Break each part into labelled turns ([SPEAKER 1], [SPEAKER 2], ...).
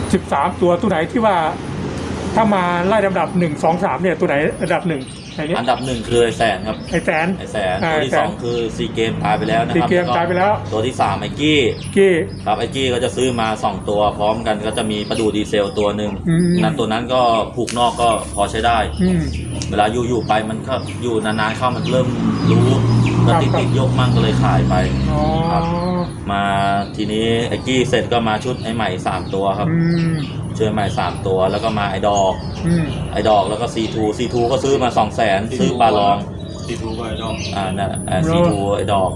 [SPEAKER 1] 13ตัวไหนที่ว่าถ้ามาไล่ลำดับ1 2 3เนี่ยตัวไหนอันดับ1
[SPEAKER 2] อันดับ1คือไอแสนครับ
[SPEAKER 1] ไอแสน
[SPEAKER 2] ตัวที่2คือซีเกมตายไปแล้วนะครับ
[SPEAKER 1] ซีเกมตายไปแล้ว
[SPEAKER 2] ตัวที่3ไอกี้ครับไอกี้ก็จะซื้อมา2ตัวพร้อมกันก็จะมีประดูดีเซลตัวหนึ่งนั้นตัวนั้นก็ผูกนอกก็พอใช้ได้เวลาอยู่ไปมันก็อยู่นานๆเข้ามันเริ่มรู้ก็ติดยกมั่งก็เลยขายไปครับมาทีนี้ไอกี้เสร็จก็มาชุดไอใหม่3ตัวครับช่วยใหม่3ตัวแล้วก็มาไอดอกแล้วก็ C2 ก็ซื้อมา 200,000 ซื้อปลาลอง
[SPEAKER 3] C2 ก็ไอดอก
[SPEAKER 2] นั่นC2 ไอดอก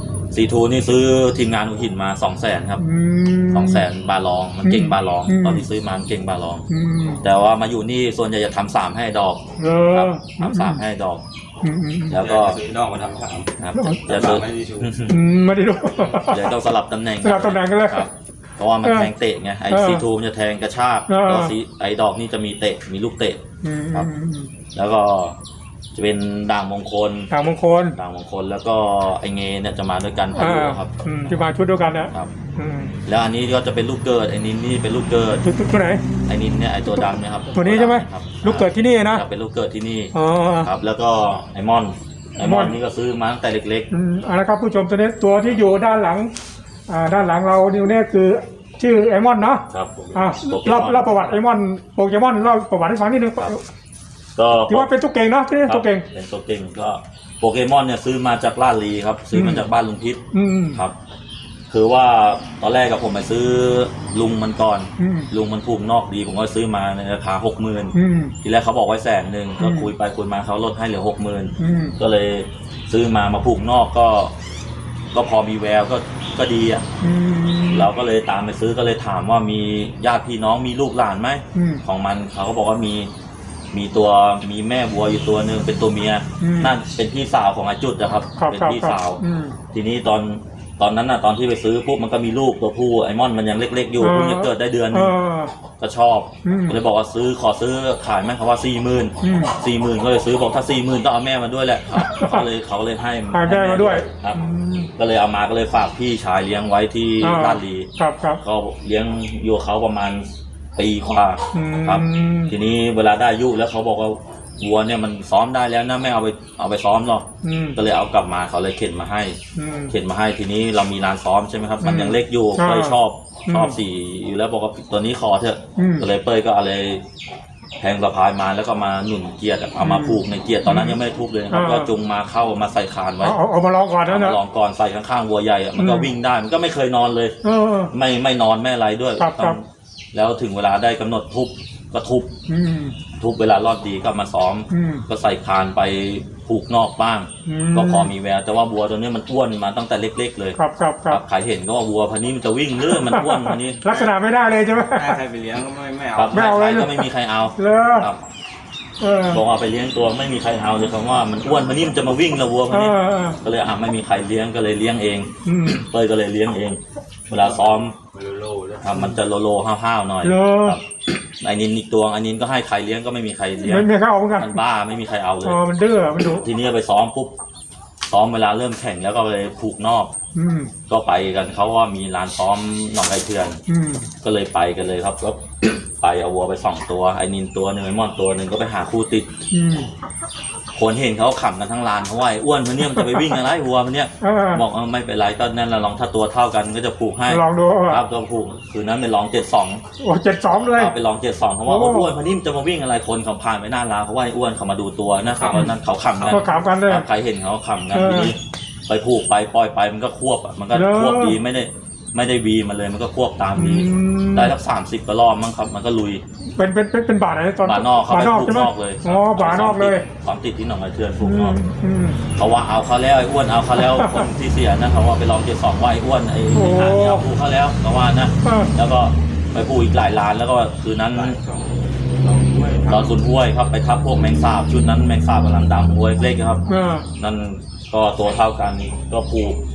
[SPEAKER 2] C2 นี่ซื้อทีมงานหัวหินมา 200,000 ครับ 200,000 บาลองมันเก่งบาลองตอนที่ซื้อมามันเก่งบาลองแต่ว่ามาอยู่นี่ส่วนใหญ่จะทำ3ให้ดอกครับทำ3ให้ดอกแล้วก็
[SPEAKER 3] ซื้อนอกมาทำ3
[SPEAKER 2] ครับจะซื้อ
[SPEAKER 1] ไม่ได้ดู
[SPEAKER 2] เดี๋ยวต้องสลับตำแหน่ง
[SPEAKER 1] กันเลย
[SPEAKER 2] ครับเพราะว่ามันแทงเตะไงไอC2มันจะแทงกระชากแล้วไอดอกนี่จะมีเตะมีลูกเตะครับแล้วก็จะเป็นด่างมงคลแล้วก็ไอเงเนี่ยจะมาด้วยกันพายุครับ
[SPEAKER 1] ที่มาชุดเดียวกันนะครับ
[SPEAKER 2] แล้วอันนี้ก็จะเป็นลูกเกิดไอนินนี่เป็นลูกเกิด
[SPEAKER 1] ตัวไหน
[SPEAKER 2] ไอนินเนี่ยไอตัวดำเนี่ยครับ
[SPEAKER 1] ตัวนี้ใช่ไหมลูกเกิดที่นี่นะ
[SPEAKER 2] เป็นลูกเกิดที่นี่ครับแล้วก็ไอมอนนี่ก็ซื้อมาตั้งแต่เล็ก
[SPEAKER 1] ๆนะครับผู้ชมตัวนี้ตัวที่อยู่ด้านหลังเราเนี่ยคือชื่อไอมอนเนาะ
[SPEAKER 2] ครับ
[SPEAKER 1] เล่าประวัติไอมอนโปเกมอนเล่าประวัติให้ฟังนิดนึงก็ที่ว่าเป็นตัวเก่งเนาะที่ตัวเก่ง
[SPEAKER 2] เป็นตัวเก่งก็โปเกมอนเนี่ยซื้อมาจากลาดลีครับซื้อมาจากบ้านลุงพิษครับคือว่าตอนแรกกับผมไปซื้อลุงมันก่อนลุงมันผูกนอกดีผมก็ซื้อมาในราคา 60,000ทีแรกเขาบอกไว้100,000ก็คุยไปคุยมาเขาลดให้เหลือ 60,000ก็เลยซื้อมาผูกนอกก็พอมีแววก็ดีอ่ะเราก็เลยตามไปซื้อก็เลยถามว่ามีญาติพี่น้องมีลูกหลานไหมของมันเขาก็บอกว่ามีแม่วัวอยู่ตัวหนึ่งเป็นตัวเมียนั่นเป็นพี่สาวของอาจุดนะครับเป็นพี่สาวทีนี้ตอนนั้นน่ะตอนที่ไปซื้อปุ๊บมันก็มีลูกตัวผู้ไอมอนมันยังเล็กๆอยู่เพิ่งจะเกิดได้เดือนนึงก็ชอบก็เลยบอกว่าขอซื้อขายไหมเขาว่า40,000ก็เลยซื้อบอกถ้า40,000ต้องเอาแม่มาด้วยแหละเขาเลยให้
[SPEAKER 1] แม่มาด้วย
[SPEAKER 2] ครับก็เลยเอามาก็เลยฝากพี่ชายเลี้ยงไว้ที่ลาดลีก็เลี้ยงอยู่เขาประมาณปีกว่าครับทีนี้เวลาได้อายุแล้วเขาบอกว่าวัวเนี่ยมันซ้อมได้แล้วนะไม่เอาไปซ้อมหรอกก็เลยเอากลับมาเขาเลยเข็นมาให้ทีนี้เรามีลานซ้อมใช่ไหมครับมันยังเล็กอยู่เป้ยชอบสีอยู่แล้วบอกว่าตัวนี้ขอเถอะก็เลยเป้ยก็อะไรแทงสะพายมาแล้วก็มาหนุนเกียร์เอามาผูกในเกียร์ตอนนั้นยังไม่ทุบเลยครับก็จุงมาเข้ามาใส่คานไว้
[SPEAKER 1] เอามาลองก่อนนะ
[SPEAKER 2] ลองก่อนใส่ข้างๆวัวใหญ่มันก็วิ่งได้มันก็ไม่เคยนอนเลยไม่นอนไม่อะไรด้วยแล้วถึงเวลาได้กำหนดทุบก็ทุบเวลารอดดีก็มาซ้อมก็ใส่คานไปผูกนอกบ้างก็พอมีแววแต่ว่าวัวตัวนี้มันอ้วนมาตั้งแต่เล็กๆเลย
[SPEAKER 1] ครับ
[SPEAKER 2] ใครเห็นก็ว่าวัวพันนี้มันจะวิ่งเรื่อยมันอ้วนพันนี้
[SPEAKER 1] ลักษณะไม่ได้เลยใช่ไหม
[SPEAKER 3] ใครไปเลี้ยงก็ไม่เอา
[SPEAKER 2] ก็ไม่มีใครเอาครับบอกเอาไปเลี้ยงตัวไม่มีใครเอาเลยคำว่ามันอ้วนพันนี้มันจะมาวิ่งละวัวพันนี้ก็เลยไม่มีใครเลี้ยงก็เลยเลี้ยงเองเป้ยก็เลยเลี้ยงเองเวลาซ้อมมันจะโลห้าวๆหน่อยไอ้นินอีกตัวไอ้นินก็ให้ใครเลี้ยงก็ไม่มีใครเลี้ยง
[SPEAKER 1] ไม่เข้าเหมือนกัน
[SPEAKER 2] มันบ้าไม่มีใครเอาเลย
[SPEAKER 1] มันดื้อมันดุ
[SPEAKER 2] ทีนี้ไปซ้อมปุ๊บซ้อมเวลาเริ่มแข่งแล้วก็ไปผูกนอกก็ไปกันเขาว่ามีลานซ้อมหนองไก่เถื่อนก็เลยไปกันเลยครับก็ไปเอาวัวไป2ตัวไอ้นินตัวหนึ่งไอ้มอนตัวหนึ่งก็ไปหาคู่ติดคนเห็นเขาขำกันทั้งลานเขาว่าอ้วนมันเนี่ยมันจะไปวิ่งอะไรวัวมันเนี่ยบอกไม่เป็นไรก็นั่นเราลองถ้าตัวเท่ากันก็จะผูกให้
[SPEAKER 1] ลองดู
[SPEAKER 2] ครับตัวผูกคืนนั้นไปลอง72
[SPEAKER 1] โอ้72เลย
[SPEAKER 2] ไปลอง72เขาว่าอ้วนมันนี่มันจะมาวิ่งอะไรคนเขาผ่านไปหน้าร้านเขาว่าอ้วนเขามาดูตัวนะครับว่านั่นเขาขำ
[SPEAKER 1] กันเลย
[SPEAKER 2] ใครเห็นเขาขำกันทีนี้ไปผูกไปปล่อยไปมันก็ควบมันก็ควบดีไม่ได้วีมาเลยมันก็ควบตามวีได้สัก30 กว่ารอบมั้งครับมันก็ลุย
[SPEAKER 1] เป็นบาทไหนตอน
[SPEAKER 2] บาทนอกเขาไปผูกนอกเลย
[SPEAKER 1] บาทนอกเลย
[SPEAKER 2] ความติดที่หนองไอเทือนผูกนอกเขาว่าเอาเขาแล้วไอ้อ้วนเอาเขาแล้วคนที่เสียนะเขาว่าไปลอง72ว่าไอ้อ้วนไอ้หาเนี่ยผูกเขาแล้วเขาว่านะแล้วก็ไปผูกอีกหลายล้านแล้วก็คืนนั้นตอนสุดห้วยครับไปทับพวกแมงสาบชุดนั้นแมงสาบกำลังดำห้วยเล็กครับนั่นก็ตัวเท่ากันก็ผูก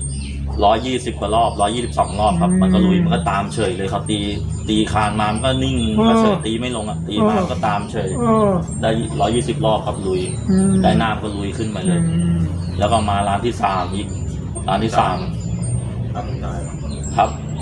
[SPEAKER 2] 120 กว่ารอบ122 รอบครับมันก็ลุยมันก็ตามเฉยเลยครับตีคานมามันก็นิ่งก็เฉยตีไม่ลงอ่ะตีมาก็ตามเฉยได้120 รอบครับลุยได้น้ำก็ลุยขึ้นมาเลยแล้วก็มาร้านที่3อีกร้านที่3ครับท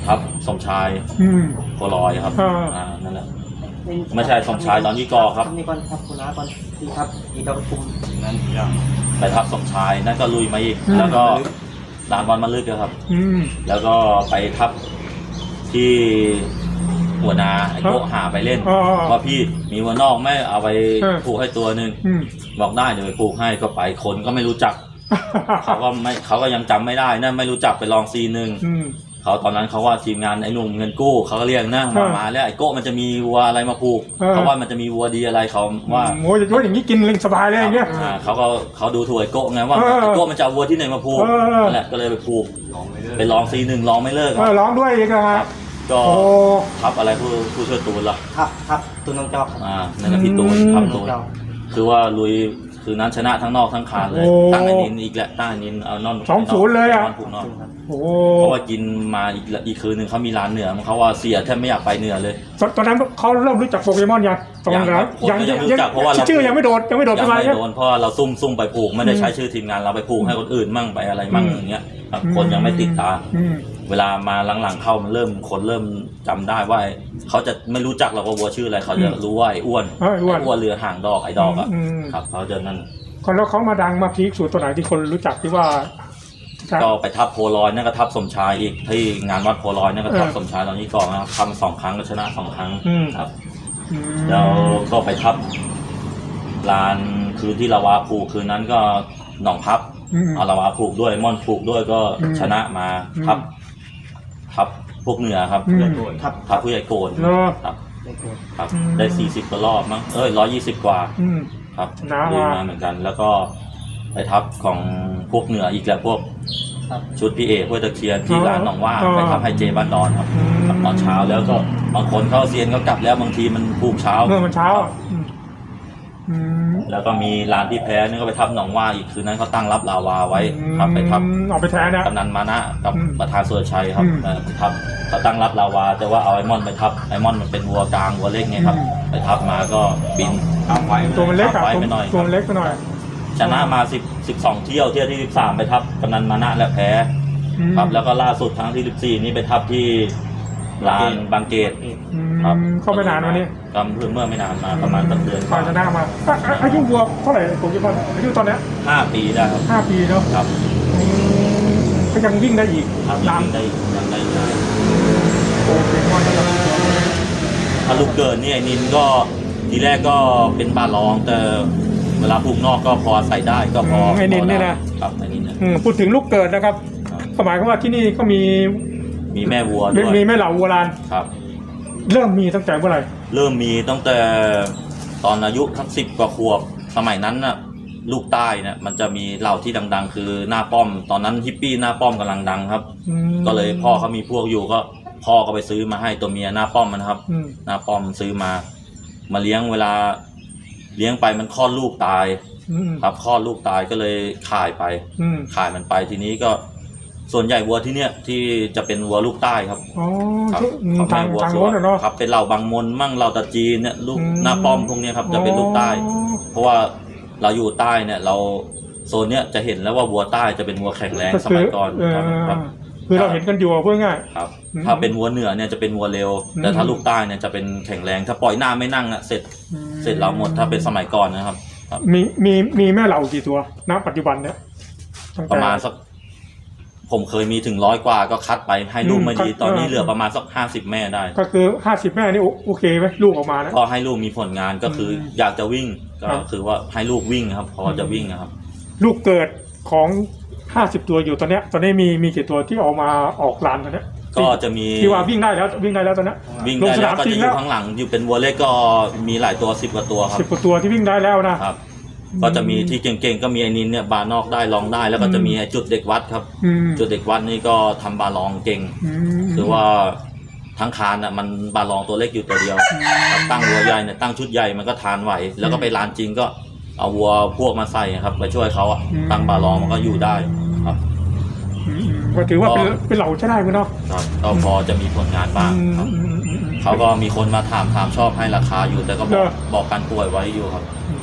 [SPEAKER 2] ทับสมชายโคลอยครับนั่นแหละไม่ใช่สมชายตอนยี่กอครับ
[SPEAKER 4] นี่ก่อนครับคุณน้าก่อนที่ครับที่ดอกคุม
[SPEAKER 3] นั่นยัง
[SPEAKER 2] ไปทับสมชายนั่นก็ลุยมาอีกแล้วก็ลานบอลมาลึกครับแล้วก็ไปทับที่หัวนาไอ้โกหาไปเล่นว่าพี่มีวัวนอกไม่เอาไปผูกให้ตัวนึงบอกได้เดี๋ยวไปผูกให้ก็ไปคนก็ไม่รู้จักเขาก็ยังจำไม่ได้นะไม่รู้จักไปลองซีนึงเขาตอนนั้นเขาว่าทีมงานไอ้หนุ่มเงินกู้เขาก็เรียกนะมาแล้วไอ้โก้มันจะมีวัวอะไรมาผูกเขาว่ามันจะมีวัวดีอะไรเขาว่า
[SPEAKER 1] โอ้ยอย่างนี้กินเล่นสบายเลยอย่างเงี้ย
[SPEAKER 2] เขาดูถูกไอ้โก้ไงว่าไอ้โก้มันจะวัวที่ไหนมาผูกนั่นแหละก็เลยไปผูกไปลองซีนึงลองไม่เลิก
[SPEAKER 1] ร้องด้วยอีกครับ
[SPEAKER 2] ก็ทับอะไรผู้ช่วยตูนล่ะ
[SPEAKER 4] ครับตูนน้องเจ้า
[SPEAKER 2] นั่นแหละพี่ตูนทับตูนคือว่าลุยคือนั้นชนะทั้งนอกทั้งคานเลยตั้งไอ้นินอีกแหละตั้งไอ้นินเอานอน
[SPEAKER 1] 2-0เลยอ่ะ
[SPEAKER 2] เพราะว่ากินมาอีกคืนนึงเขามีร้านเหนือเขาว่าเสียแทบไม่อยากไปเหนือเลย
[SPEAKER 1] ตอนนั้นเขาเริ่มรู้จักโปเกมอนยัง
[SPEAKER 2] รู้จักเพราะว่า
[SPEAKER 1] ชื่อยังไม่โดนไป
[SPEAKER 2] โดนเพราะเราซุ่มไปผูกไม่ได้ใช้ชื่อทีมงานเราไปผูกให้คนอื่นมั่งไปอะไรมั่งอย่างเงี้ยคนยังไม่ติดตาเวลามาหลังๆเข้ามันคนเริ่มจำได้ว่าเขาจะไม่รู้จักเราว่าวัวชื่ออะไรเขาจะรู้ว่าไอ้อ้วนเรือห่างดอกไอ้ดอกอ่ะครับเขาจะนั่น
[SPEAKER 1] แล้วเขามาดังมาพีคสุดตัวไหนที่คนรู้จักที่ว่า
[SPEAKER 2] ก็ไปทับโพลอยนั่นก็ทับสมชายอีกที่งานวัดโพลอยนั่นก็ทับสมชายตอนนี้ก่อนนะครับทำ2 ครั้งก็ชนะ2 ครั้งครับแล้วก็ไปทับลานคืนที่ลาวาผูกคืนนั้นก็หนองพับเอาลาวาผูกด้วยม่อนผูกด้วยก็ชนะมาทับพวกเหนือครับทับผู้ใหญ่โกนครับได้40 กว่ารอบมั้ง120 กว่าครับดีมาเหมือนกันแล้วก็ไปทับของพวกเหนืออีกแล้วพวกชุดพี่เอกพวกตะเคียนที่ร้านหนองว่าไปทับให้เจบ้านดอนครับตอนเช้าแล้วก็บางคนเขาเซียนก็กลับแล้วบางทีมันผูกเช้า
[SPEAKER 1] มันเช้า
[SPEAKER 2] แล้วก็มีร้านที่แพ้นี่ก็ไปทับหนองว่าอีกคืนนั้นเขาตั้งรับลาวาไว้ครับไปทับ
[SPEAKER 1] เอาไปแท้นะ
[SPEAKER 2] กำนันมานะกับประธานสุรชัยครับไปทับเขาตั้งรับลาวาแต่ว่าเอาไอมอนไปทับไอมอนมันเป็นวัวกลางวัวเล็กไงครับไปทับมาก็บิน
[SPEAKER 1] ตัวมันเล็กไปหน่อยตัวมันเล็กไปหน่อย
[SPEAKER 2] ชนะมา12 เที่ยวที่13ไปทับกำนันมานะและแพ้ครับแล้วก็ล่าสุดครั้งที่14นี่ไปทับที่ร้านบางเกต
[SPEAKER 1] ครับเข้าไปนานวันนี้
[SPEAKER 2] กำเพิ่งเมื่อไม่นานมาประมาณเดือน
[SPEAKER 1] ชนะมาอายุวัวเท่าไหร่โปเกมอนอายุตอนนี้
[SPEAKER 2] 5 ปีได้ครับ
[SPEAKER 1] 5 ปีเนาะ
[SPEAKER 2] ครับ
[SPEAKER 1] ก็ยังวิ่งได้อีก
[SPEAKER 2] ยังได้
[SPEAKER 1] โปเกมอน
[SPEAKER 2] ถ้าลูกเกิดนี่ไอ้นินก็ทีแรกก็เป็นบาลองแต่เวลาผูกนอกก็พอใส่ได้ก็พอ
[SPEAKER 1] ไอ้นินเนี่ยนะครับ
[SPEAKER 2] ไอ้นิน
[SPEAKER 1] พูดถึงลูกเกิดนะครับหมายความว่าที่นี่ก็มี
[SPEAKER 2] แม่วัวด้วย
[SPEAKER 1] มีแม่เหล่าวัวลาน
[SPEAKER 2] ครับ
[SPEAKER 1] เริ่มมีตั้งแต่เมื่อไหร่
[SPEAKER 2] เริ่มมีตั้งแต่ตอนอายุทั้ง10 กว่าขวบสมัยนั้นน่ะลูกใต้เนี่ยมันจะมีเหล่าที่ดังๆคือหน้าป้อมตอนนั้นฮิปปี้หน้าป้อมกำลังดังครับก็เลยพ่อเขามีพวกอยู่ก็พ่อก็ไปซื้อมาให้ตัวเมียหน้าป้อมมันครับหน้าป้อมซื้อมาเลี้ยงเวลาเลี้ยงไปมันคลอดลูกตายครับคลอดลูกตายก็เลยขายมันไปทีนี้ก็ส่วนใหญ่วัวที่เนี่ยที่จะเป็นวัวลูกใต้ครับ
[SPEAKER 1] ทางโน้นเนาะ
[SPEAKER 2] ครับเป็นเหล่าบางมนมั่งเหล่าตะจีนเนี่ยลูกหน้าป้อมพวกนี้ครับจะเป็นลูกใต้เพราะว่าเราอยู่ใต้เนี่ยเราโซนเนี้ยจะเห็นแล้วว่าวัวใต้จะเป็นวัวแข็งแรงสมัยก่อนครับ
[SPEAKER 1] คือเราเห็นกันอยู่เพื่อง่าย
[SPEAKER 2] ครับถ้าเป็นวัวเหนือเนี่ยจะเป็นวัวเร็วแต่ถ้าลูกใต้เนี่ยจะเป็นแข็งแรงถ้าปล่อยหน้าไม่นั่งอ่ะเสร็จเราหมดถ้าเป็นสมัยก่อนนะครับ
[SPEAKER 1] มีแม่เหล่ากี่ตัวณปัจจุบันเนี่ย
[SPEAKER 2] ประมาณสักผมเคยมีถึง100 กว่าก็คัดไปให้ลูกไม่ดีตอนนี้เหลือประมาณสัก50 แม่ได้
[SPEAKER 1] ก็คือ50 แม่นี่โอเคไหมลูกออกมานะ
[SPEAKER 2] ก็ให้ลูกมีผลงานก็คืออยากจะวิ่งก็คือว่าให้ลูกวิ่งครับพอจะวิ่งนะครับ
[SPEAKER 1] ลูกเกิดของ50 ตัวอยู่ตอนนี้มีกี่ตัวที่ออกมาออกลานตอนนี้
[SPEAKER 2] ก็จะมี
[SPEAKER 1] ที่ว่าวิ่งได้แล้วตอนนี้
[SPEAKER 2] วิ่งได้แล้วก็จะอยู่ข้างหลังอยู่เป็นวัวเล็กก็มีหลายตัว10 กว่าตัวครับ
[SPEAKER 1] 10 กว่าตัวที่วิ่งได้แล้วนะครับ
[SPEAKER 2] ก็จะมีที่เก่งๆก็มีไอ้นินเนี่ยบาร์นอกได้ลองได้แล้วก็จะมีจุดเด็กวัดครับจุดเด็กวัดนี่ก็ทำบาร์ลองเก่งคือว่าทั้งคานอ่ะมันบาร์ลองตัวเล็กอยู่ตัวเดียวตั้งวัวใหญ่เนี่ยตั้งชุดใหญ่มันก็ทานไหวแล้วก็ไปลานจริงก็เอาวัวพวกมาใส่ครับไปช่วยเขาตั้งบาร์ลองมันก็อยู่ได้ครับ
[SPEAKER 1] ก็ถือว่าเป็นเหล่าใช้ได้มั้ยเนาะ
[SPEAKER 2] ครับก็พอจะมีผลงานบ้างครับเขาก็มีคนมาถามชอบให้ราคาอยู่แต่ก็บอกการป่วยไว้อยู่ครับ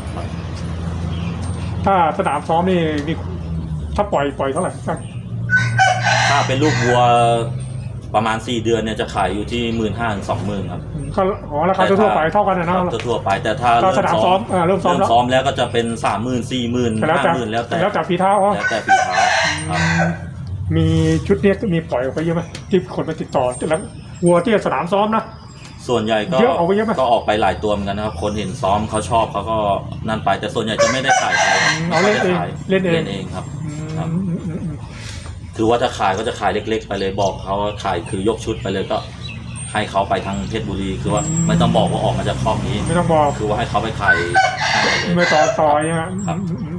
[SPEAKER 1] ถ้าสนามซ้อมนี่ถ้าปล่อยเท่าไหร่
[SPEAKER 2] ถ้าเป็นลูกวัวปประมาณ4 เดือนเนี่ยจะขายอยู่ที่ 15,000 ถึง 20,000 ครับ
[SPEAKER 1] ก็ราคาทั่วไปเท่ากันนะ
[SPEAKER 2] ครับทั่วไปแต่ถ้า
[SPEAKER 1] ก็สนามซ้อมเริ่มซ้อมแล้ว
[SPEAKER 2] แล้วก็จะเป็น 30,000 40,000 50,000 แล้วแต่
[SPEAKER 1] แล้วแต่ฝีเท้าอ๋อ
[SPEAKER 2] แล้วแต่ฝีเท้าครับ
[SPEAKER 1] มีชุดเนี้ยมีปล่อยออกไปเยอะไหมที่คนมาติดต่อแล้ววัวที่สนามซ้อมนะ
[SPEAKER 2] ส่วนใหญ่ก็
[SPEAKER 1] เยอะเอาไว้เยอะไหม
[SPEAKER 2] ก็ออกไปหลายตัวเหมือนกันนะครับคนเห็นซ้อมเขาชอบเขาก็นั่นไปแต่ส่วนใหญ่จะไม่ได้ขายใครครับ
[SPEAKER 1] เอาเล่นเอง
[SPEAKER 2] ขาย
[SPEAKER 1] เล่นเอง
[SPEAKER 2] เองครับ
[SPEAKER 1] อืม
[SPEAKER 2] ครับ
[SPEAKER 1] อืม
[SPEAKER 2] คือว่าจะขายก็จะขายเล็กๆ ไปเลยบอกเขาว่าขายคือยกชุดไปเลยก็ให้เขาไปทางเพชรบุรีคือว่าไม่ต้องบอกว่าออกมาจากคลองนี้
[SPEAKER 1] ไม่ต้องบอก
[SPEAKER 2] คือว่าให้เขาไปขายให้เลย
[SPEAKER 1] ไม่ต่อใช่ไหม
[SPEAKER 2] ครับ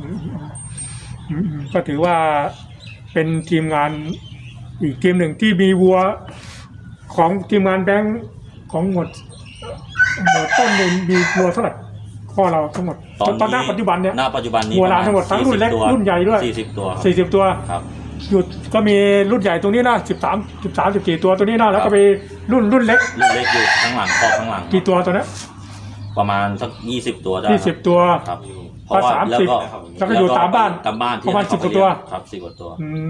[SPEAKER 1] ก็ถือว่าเป็นทีมงานอีกทีมหนึ่งที่มีวัวของทีมงานแบงค์ของหมดต้นเลยมีวัวเท่าไหร่พ่อเราทั้งหมดตอนหน้าปัจจุบันเนี่ย
[SPEAKER 2] หน้าปัจจุบันนี้
[SPEAKER 1] วัวลานทั้งหมดทั้งรุ่นเล็ก
[SPEAKER 2] 40 ตัว
[SPEAKER 1] รุ่นใหญ่ด้วย
[SPEAKER 2] 40 ตัวครับ
[SPEAKER 1] 40 ตัว
[SPEAKER 2] ครับ
[SPEAKER 1] หยุดก็มีรุ่นใหญ่ตรงนี้นะ13 14 ตัวตัวนี้นะแล้วก็มีรุ่นเล็ก
[SPEAKER 2] รุ่นเล็กอยู่ข้างหลังคอข้างหลัง
[SPEAKER 1] กี่ตัวตัวนี้
[SPEAKER 2] ประมาณสัก20 ตัวได้
[SPEAKER 1] 20 ตัว
[SPEAKER 2] ครับ
[SPEAKER 1] ก็ แล้วก็อยู่ตามบ้าน
[SPEAKER 2] ตามบ้านที่
[SPEAKER 1] ประมาณ
[SPEAKER 2] เข
[SPEAKER 1] 10 กว่าตัว
[SPEAKER 2] ครับ10 กว่าตัว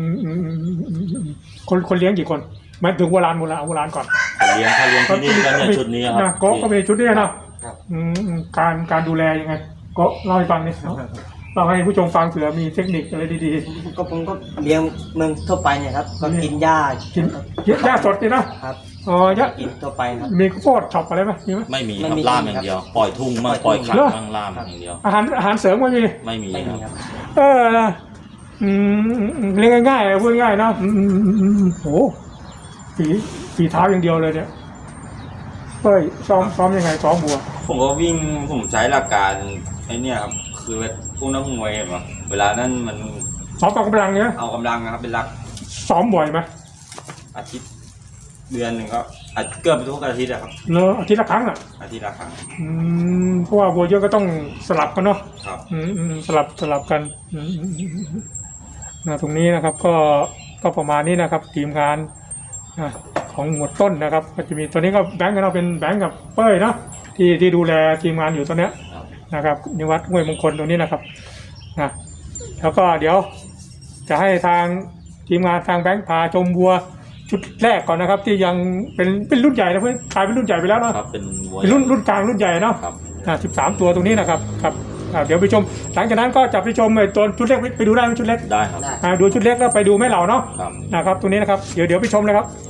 [SPEAKER 1] คนเลี้ยงกี่คนหมายถึงโบราณก่อน
[SPEAKER 2] ถ้าเลี้ยงที่นี่ก็เนี่ยชุดนี้ครับ
[SPEAKER 1] นะก็มีชุดนี้นะการดูแลยังไง ก็เล่าให้ฟังนิดเราให้ผู้ชมฟังเผื่อมีเทคนิคอะไรดี
[SPEAKER 4] ก็ผมก็เลี้ยงเมืองทั่วไปเนี่ยครับก็กินหญ้า
[SPEAKER 1] ๆกินหญ้าสดนี่นะครับ อ๋อหญ้า
[SPEAKER 4] กินทั่วไปครับ
[SPEAKER 1] มีข้าวโพดช็อปอะไรไหมมีไหม
[SPEAKER 2] ไม่มี
[SPEAKER 4] ไม่
[SPEAKER 2] ครับ
[SPEAKER 4] มี
[SPEAKER 2] ล่ามอย่างเดียว ปล่อยทุ่งมั่งปล่อยขัน
[SPEAKER 1] เหรอ
[SPEAKER 2] มั่งล่ามอย่างเดียว
[SPEAKER 1] อาหารเสริมก็มี
[SPEAKER 2] ไม่มี
[SPEAKER 4] ไม่
[SPEAKER 2] ค
[SPEAKER 4] มี
[SPEAKER 2] รับ
[SPEAKER 4] ครับ
[SPEAKER 1] นะเลี้ยงง่ายๆพูดง่ายๆนะโหฝีเท้าอย่างเดียวเลยเนี่ยเฮ้ยซ้อมยังไงซ้อมบัว
[SPEAKER 3] ผมก็วิ่งผมใช้หลักการไอ้เนี่ยครับคือพวกนักมวยเห็นปะเวลานั้นมัน
[SPEAKER 1] ซ้อมกองกำลังเนี่ย
[SPEAKER 3] เอากำลังนะครับเป็นหลัก
[SPEAKER 1] ซ้อมบ่อยไหม
[SPEAKER 3] อาทิตย์เดือนหนึ่งก็เกือบทุกอาทิตย์อะครับ
[SPEAKER 1] เนอะอาทิตย์ละครั้งอ่ะ
[SPEAKER 3] อาทิตย์ละครั้ง
[SPEAKER 1] เพราะว่าบัวเยอะก็ต้องสลับกันเนาะ
[SPEAKER 3] ครับ
[SPEAKER 1] สลับกันตรงนี้นะครับก็ประมาณนี้นะครับทีมงานของหมวดต้นนะครับก็จะมีตัวนี้ก็แบงค์กันเราเป็นแบงค์กับเป้ยเนาะที่ดูแลทีมงานอยู่ตอนเนี้ย
[SPEAKER 2] ครับ
[SPEAKER 1] นะครับนิวัฒน์ห้วยมงคลตรงนี้นะครับนะแล้วก็เดี๋ยวจะให้ทางทีมงานทางแบงค์พาชมวัวชุดแรกก่อนนะครับ ที่ยังเป็นรุ่นใหญ่นะเพื่อนกลายเป็นรุ่นใหญ่ไปแล้วเนาะ
[SPEAKER 2] ครับเป็นวัว
[SPEAKER 1] เป็นรุ่นกลางรุ่นใหญ่เนาะ
[SPEAKER 2] ครับ
[SPEAKER 1] 13 ตัวตรงนี้นะครับเดี๋ยวไปชมหลังจากนั้นก็จะไปชมไอ้ตัวชุดเล็กไปดูได้ไหมชุดเล็ก
[SPEAKER 2] ได้ครับ
[SPEAKER 4] ได้
[SPEAKER 1] ดูชุดเล็กแล้วไปดูแม่เหล่าเนาะ
[SPEAKER 2] ครับ
[SPEAKER 1] นะครับตรงนี้นะครับเดี๋ยวไปชมเลยครับ